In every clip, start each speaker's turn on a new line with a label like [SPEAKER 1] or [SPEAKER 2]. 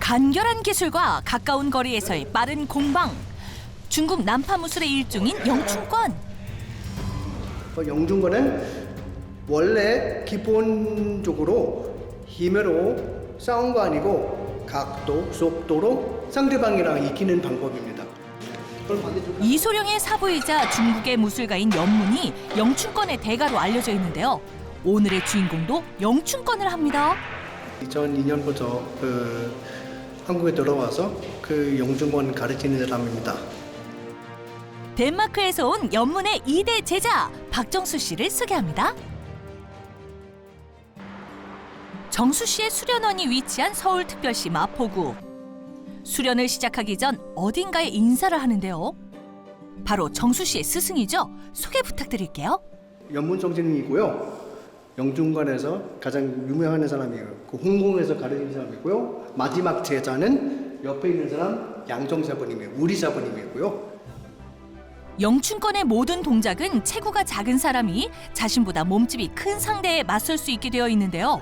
[SPEAKER 1] 간결한 기술과 가까운 거리에서의 빠른 공방. 중국 난파무술의 일종인 영춘권.
[SPEAKER 2] 영춘권은 원래 기본적으로 힘으로 싸운 거 아니고 각도, 속도로 상대방이랑 이기는 방법입니다.
[SPEAKER 1] 이소룡의 사부이자 중국의 무술가인 연문이 영춘권의 대가로 알려져 있는데요. 오늘의 주인공도 영춘권을 합니다.
[SPEAKER 2] 2002년부터 한국에 들어와서 영춘권 가르치는 사람입니다.
[SPEAKER 1] 덴마크에서 온 연문의 2대 제자 박정수 씨를 소개합니다. 정수 씨의 수련원이 위치한 서울특별시 마포구. 수련을 시작하기 전 어딘가에 인사를 하는데요. 바로 정수 씨의 스승이죠. 소개 부탁드릴게요.
[SPEAKER 2] 연문 선생님이고요. 영춘권에서 가장 유명한 사람이에요. 홍콩에서 가르치는 사람이고요. 마지막 제자는 옆에 있는 사람 양정 사부님이에요. 우리 사부님이고요.
[SPEAKER 1] 영춘권의 모든 동작은 체구가 작은 사람이 자신보다 몸집이 큰 상대에 맞설 수 있게 되어 있는데요.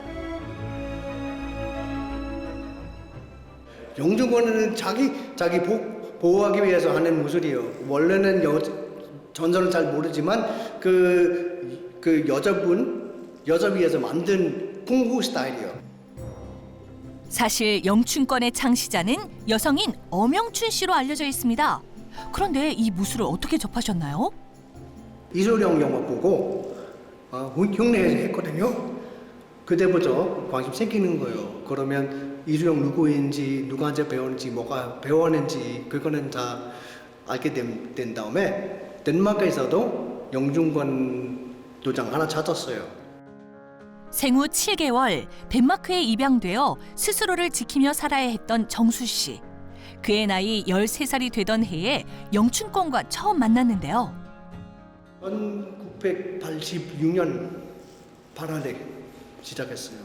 [SPEAKER 2] 영춘권은 자기 보호하기 위해서 하는 무술이에요. 원래는 전설은 잘 모르지만 여자 위해서 만든 쿵푸 스타일이에요.
[SPEAKER 1] 사실 영춘권의 창시자는 여성인 엄영춘 씨로 알려져 있습니다. 그런데 이 무술을 어떻게 접하셨나요?
[SPEAKER 2] 이소룡 영화 보고 흉내에서 했거든요. 그때부터 관심 생기는 거예요. 그러면 이소룡 누구인지, 누구한테 배웠는지, 뭐가 배웠는지 그거는 다 알게 된 다음에 덴마크에서도 영춘권 도장 하나 찾았어요.
[SPEAKER 1] 생후 7개월 덴마크에 입양되어 스스로를 지키며 살아야 했던 정수 씨. 그의 나이 13살이 되던 해에 영춘권과 처음 만났는데요.
[SPEAKER 2] 1986년 8월에 시작했어요.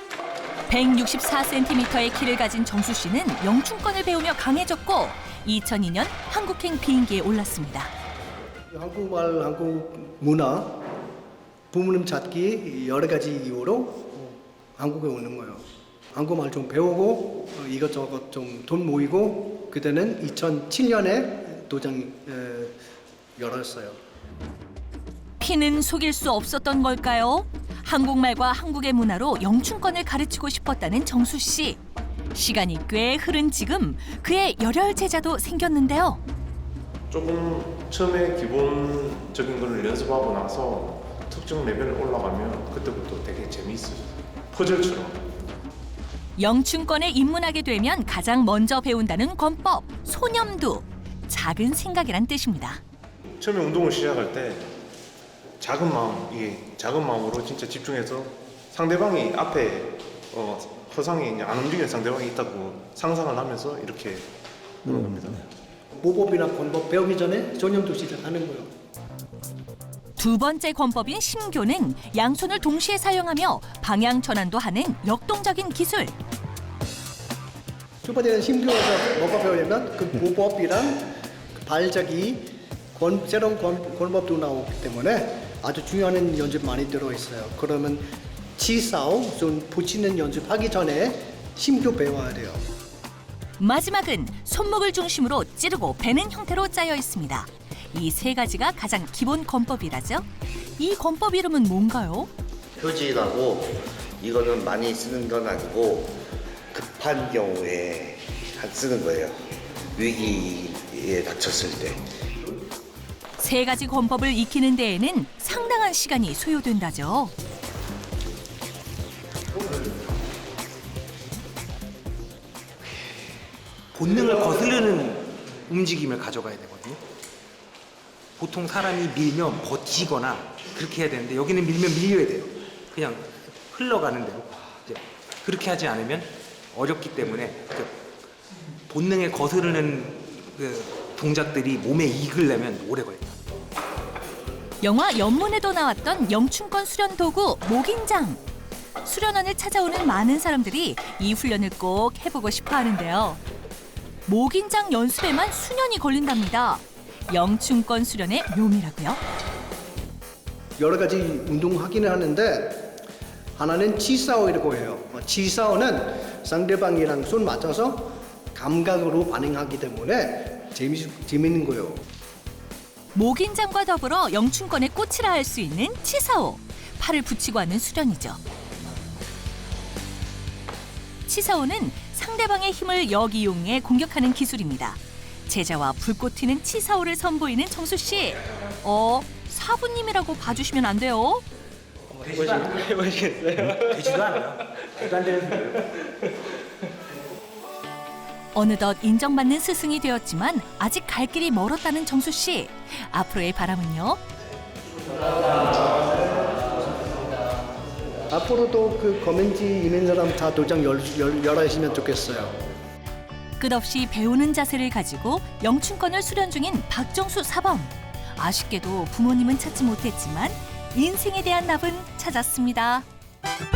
[SPEAKER 1] 164cm의 키를 가진 정수 씨는 영춘권을 배우며 강해졌고 2002년 한국행 비행기에 올랐습니다.
[SPEAKER 2] 한국말, 한국 문화, 부모님 찾기 여러 가지 이유로 한국에 오는 거예요. 한국말 좀 배우고 이것저것 좀 돈 모이고 그때는 2007년에 도장 열었어요.
[SPEAKER 1] 피는 속일 수 없었던 걸까요? 한국말과 한국의 문화로 영춘권을 가르치고 싶었다는 정수 씨. 시간이 꽤 흐른 지금 그의 열혈 제자도 생겼는데요.
[SPEAKER 3] 조금 처음에 기본적인 걸 연습하고 나서 특정 레벨에 올라가면 그때부터 되게 재미있어요. 퍼즐처럼.
[SPEAKER 1] 영춘권에 입문하게 되면 가장 먼저 배운다는 권법, 소념두. 작은 생각이란 뜻입니다.
[SPEAKER 3] 처음에 운동을 시작할 때 작은 마음으로 진짜 집중해서 상대방이 앞에 허상이 안 움직이는 상대방이 있다고 상상을 하면서 이렇게 하는 겁니다.
[SPEAKER 2] 모법이나 권법 배우기 전에 소념도 시작하는 거예요.
[SPEAKER 1] 두 번째 권법인 심교는 양손을 동시에 사용하며 방향 전환도 하는 역동적인 기술.
[SPEAKER 2] 첫 번째는 심교에서 뭐가 배우냐면 그 모법이랑 발자기, 새로운 권법도 나오기 때문에 아주 중요한 연습 많이 들어있어요. 그러면 치싸움, 손 붙이는 연습하기 전에 심교 배워야 돼요.
[SPEAKER 1] 마지막은 손목을 중심으로 찌르고 베는 형태로 짜여 있습니다. 이 세 가지가 가장 기본 권법이라죠. 이 권법 이름은 뭔가요?
[SPEAKER 4] 표지라고 이거는 많이 쓰는 건 아니고 급한 경우에 쓰는 거예요. 위기에 닥쳤을 때.
[SPEAKER 1] 세 가지 권법을 익히는 데에는 상당한 시간이 소요된다죠.
[SPEAKER 5] 본능을 거스르는 움직임을 가져가야 되거든요. 보통 사람이 밀면 버티거나 그렇게 해야 되는데 여기는 밀면 밀려야 돼요. 그냥 흘러가는 대로. 이제 그렇게 하지 않으면 어렵기 때문에 본능에 거스르는 동작들이 몸에 익으려면 오래 걸려요.
[SPEAKER 1] 영화 연문에도 나왔던 영춘권 수련 도구 목인장. 수련원을 찾아오는 많은 사람들이 이 훈련을 꼭 해보고 싶어 하는데요. 목인장 연습에만 수년이 걸린답니다. 영춘권 수련의 묘미라고요.
[SPEAKER 2] 여러 가지 운동하기는 하는데 하나는 치사오라고 해요. 치사오는 상대방이랑 손 맞춰서 감각으로 반응하기 때문에 재밌는 거예요.
[SPEAKER 1] 목인장과 더불어 영춘권의 꽃이라 할 수 있는 치사오. 팔을 붙이고 하는 수련이죠. 치사오는 상대방의 힘을 역이용해 공격하는 기술입니다. 제자와 불꽃 튀는 치사오를 선보이는 정수 씨. 사부님이라고 봐주시면 안 돼요.
[SPEAKER 5] 해보시겠어요? 되지도 않아요. 되도 안 되는 소리예요.
[SPEAKER 1] 어느덧 인정받는 스승이 되었지만 아직 갈 길이 멀었다는 정수 씨. 앞으로의 바람은요?
[SPEAKER 2] 앞으로도 그 검은지 있는 사람 다 도장 열하시면 좋겠어요.
[SPEAKER 1] 끝없이 배우는 자세를 가지고 영춘권을 수련 중인 박정수 사범. 아쉽게도 부모님은 찾지 못했지만 인생에 대한 답은 찾았습니다.